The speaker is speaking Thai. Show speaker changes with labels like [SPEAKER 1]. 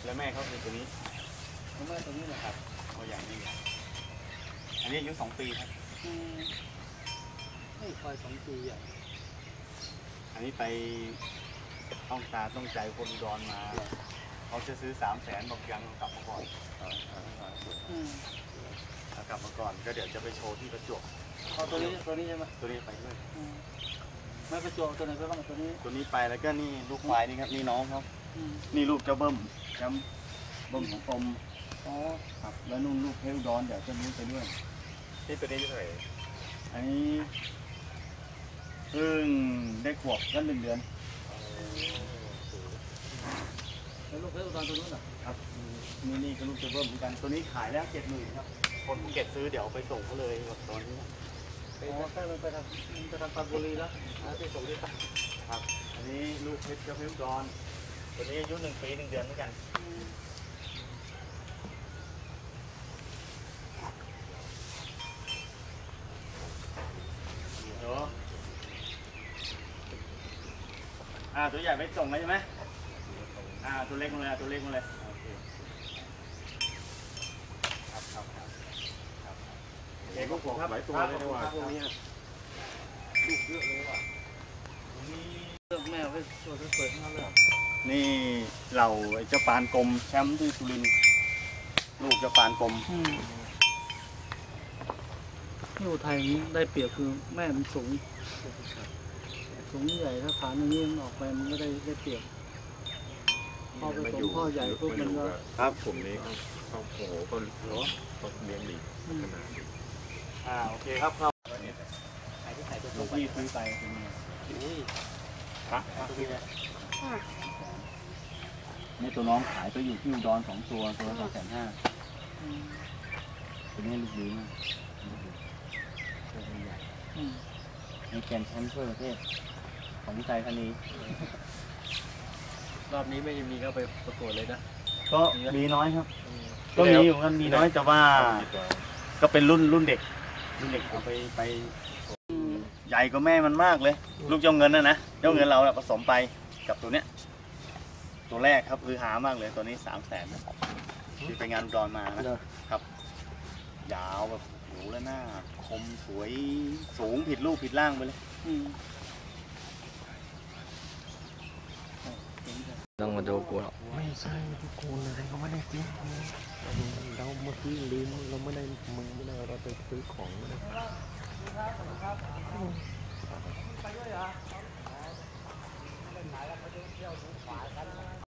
[SPEAKER 1] แล้วแม่เขาคือตัวนี้
[SPEAKER 2] แม่ตัวนี้แหละครับ
[SPEAKER 1] ตัวอย่างนี้อันนี้อายุ2 ปีครับ
[SPEAKER 2] ไม่คอย2 ปีอ่ะ
[SPEAKER 1] อันนี้ไปต้องตาต้องใจคนอุดรมาเขาจะซื้อ300,000บอกยังกลับมาก่อนกลับมาก่อนก็เดี๋ยวจะไปโชว์ที่ประจวบ
[SPEAKER 2] ตัวนี้ใช่ไหม
[SPEAKER 1] ตัวนี้ไปด้วย
[SPEAKER 2] ไม่ประจวบตัวไหนไปบ้างตัวนี้
[SPEAKER 1] ไปแล้วก็นี่ลูกควายนี่ครับนี่น้องเขานี่ลูกเจ้าเบิ้มจำเบิ้มของกรมครับแล้วนุ่นลูกเพลดอนเดี๋ยวจะนู้นไปด้วยนี่ตัวนี้เท่าไหร่อันนี้เพิ่งได้ขวบก็1 เดือน
[SPEAKER 2] แล้วลูกเพลดอนตัวนู้น
[SPEAKER 1] ครับนี่ก็ลูกเจ้าเบิ้มเหมือนกันตัวนี้ขายแล้ว70,000ครับคนภูเก็ตซื้อเดี๋ยวไปส่งเขาเลยตอนนี้
[SPEAKER 2] ใช่มันไปทางปรานบุรีแล้วไปส่งที่ตั้ง
[SPEAKER 1] ครับอันนี้ลูกเพชรเจ้าเพชรดอนตัวนี้อายุ1 ปี 1 เดือนเหมือนกันตัวใหญ่ไปส่งแล้วใช่ไหมตัวเล็กมาเลยตัวเล็กมาเลยครับเด็กพวกผมหลายตัวเลยนะว่า
[SPEAKER 2] พวกนี้ลูกเยอะเลยว่ะนี่เลือกแม่ไว้ตัวสวยๆทั้งนั้นเลย
[SPEAKER 1] นี่เราเจ้าปานกลมแชมป์ที่สุรินทร์ลูกเจ้าปานกลม
[SPEAKER 2] ที่อุทัยได้เปรียบคือแม่มันสูงใหญ่ถ้าฐานอย่างนี้มันออกไปมันก็ได้เปรียบพอไปสมพ่อใหญ่พวกมันก็
[SPEAKER 1] ครับ
[SPEAKER 3] ผมนี้เขาโอ้โหก็เลี้ยงดีขนาดนี้
[SPEAKER 1] โอเคครับครับลูกพี่ซื้อไปเป็นไงครับนี่ตัวน้องขายไปอยู่ที่อุดร2 ตัวละ250,000ตัวนี้ลูกดีมากตัวใหญ่มีแกนแชมป์ทั่วประเทศของวิจัยธานี
[SPEAKER 2] รอบนี้ไม่มีเข้าไปประกวดเลยนะ
[SPEAKER 1] ก็มีน้อยครับก็มีอยู่กันมีน้อยแต่ว่าก็เป็นรุ่นเด็กเอาไปใหญ่กว่าแม่มันมากเลยลูกเจ้าเงินนะเจ้าเงินเราผสมไปกับตัวเนี้ยตัวแรกครับคือหามากเลยตัวนี้300,000นะที่ไปงานอุดรมานะครับยาวแบบโหแล้วหน้าคมสวยสูงผิดรูปผิดร่างไปเลย
[SPEAKER 3] ต้องมาดูกูหรอก
[SPEAKER 4] ไม่ใช่ทุกคนอะไรก็ไม่ได้ซื้อเราเมื่อกี้ลืมเราไม่ได้มึงไม่ได้เราไปซื้อของไม่ได้